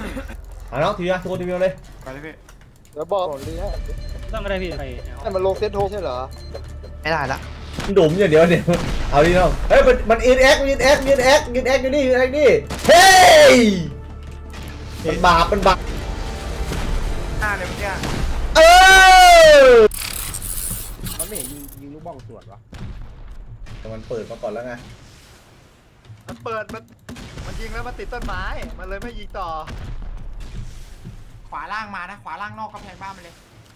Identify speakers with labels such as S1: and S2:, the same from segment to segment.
S1: น้องทีวีทุกคนทีวีเลย
S2: ไปเลยพี่
S3: เดี๋ยวบอกลีให้
S4: ต้องก็ได้พี่ไป
S3: แต่มันลงเซตโทใช่เหรอ
S5: ไม่ได้ละ
S1: ดุมอย่างเดียวเนี่ยเอาดิน้องเฮ้ยมันอินแอคยืนแอคอยู่นี่ยืนแอคนี่เฮ้ยมันบาป
S2: หน้าเลยเมื่อกี้
S1: เออ
S6: มันไม่เห็นยิงลูกบ้องสวนวะ
S1: แต่มันเปิดมาก่อนแล้วไง
S2: มันเปิดมันยิงแล้วมันติดต้นไม้มันเลยไม่ยิงต่อ
S7: ขวาล่างมานะขวาล่างนอกกำแพงบ้านมันเลย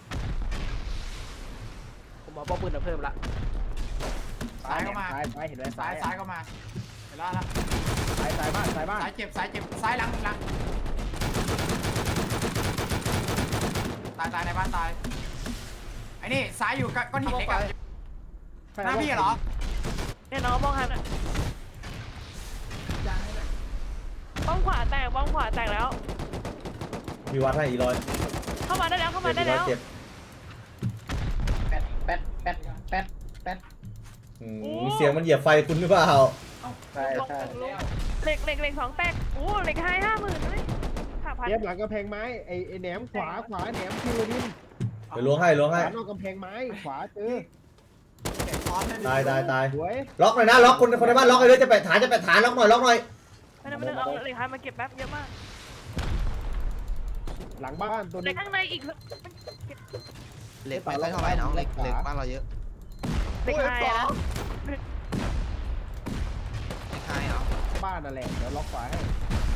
S6: ผมเอาป้อมปืนมาเพิ่มละ
S7: ซ้ายเข้ามา
S6: ซ้ายเห็นไหม
S7: ซ้ายเข้ามาเห็นแล้วละ
S6: ซ้ายบ้าน
S7: ซ้ายเจ็บซ้ายหลังตายในบ้านตายไอ้นี่ซ้ายอยู่ก้อนหินเล็กอะหน้าพี่เหรอ
S8: เนี่ยน้องมองหันอ่ะบ้องขวาแตกแล้ว
S1: มีวัดให้อีร้อย
S8: เข้ามาได้แล้ว
S1: เจ็บ
S6: แป๊ด
S1: เสียงมันเหยียบไฟคุณหรือเปล่า
S6: ใช่
S8: เหล็ก2แตกโอ้เหล็ก50,000เลย5,000
S6: เย็บหลังกำแพงไม้ไอ้แหนมขวาแหนมคิวดิน
S1: ไปล้วงให้
S6: ขวานอกกำแพงไม้ขวาเจอ
S1: ตาย
S6: สวย
S1: ล็อกหน่อยนะล็อกคนในบ้านล็อกเลยจะไปฐานล็อกหน่อย
S8: ไม่ต้องเอาเหล็กมาเก็บแป๊บเยอะมาก
S6: หลังบ้านตัว
S8: เหล็
S6: นี้
S8: กข้างในอีก
S5: เหล็กไม่ค่อยเท่าไหร่น้องเหล็กบ้านเราเยอะ
S8: เหล็กไฮนะ
S5: เหล็กไฮเหรอ
S6: บ้านนั่นแหละเดี๋ยวล็อกขวาให้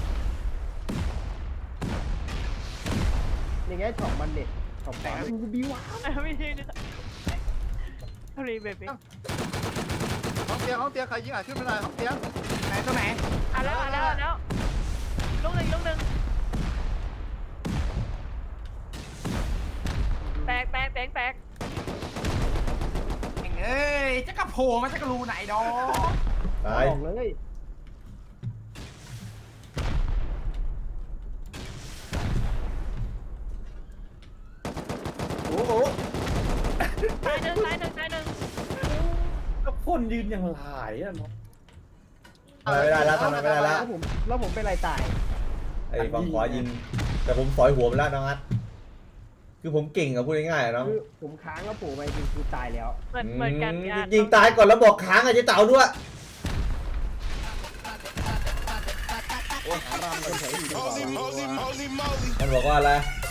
S6: นี่ไงช็อปมันเด็ดช็อปขวาบิว
S8: ไม่ใช่นี่รีเบบี้
S2: ห้องเตียงใครยิงขึ้นไม่ได้ห้องเตียง
S7: ไหนตัวไหน
S8: แล้วลูกหนึ่งแตก
S7: เอ้ยจะกระโผล่มันจะกระรูไหนดอ
S1: ตาย
S6: บอกเลย
S3: โอ้โห
S8: ตายหนึ่ง
S4: ก็คนยืนอย่างหลายอ่ะเนาะ
S1: ไม่ได้แล้วทำไม่ได้แล้ว
S6: แล้วผมเป็นไรตาย
S1: ไอ้ฝั่งขวายิงแต่ผมสอยหัวมันแล้วน้องอัดคือผมเก่งอะพูดง่ายๆน้อง
S6: คือผมค้างแล้วโผล่ไปจริงคือตายแล้ว
S8: เหมือนกัน
S1: ยิงตายก่อนแล้วบอกค้างอะเจ๊เต่าด้วย
S6: โอ้ยหารำคนแถวอยู่ดีกว่า
S1: มันบอกว่าอะไร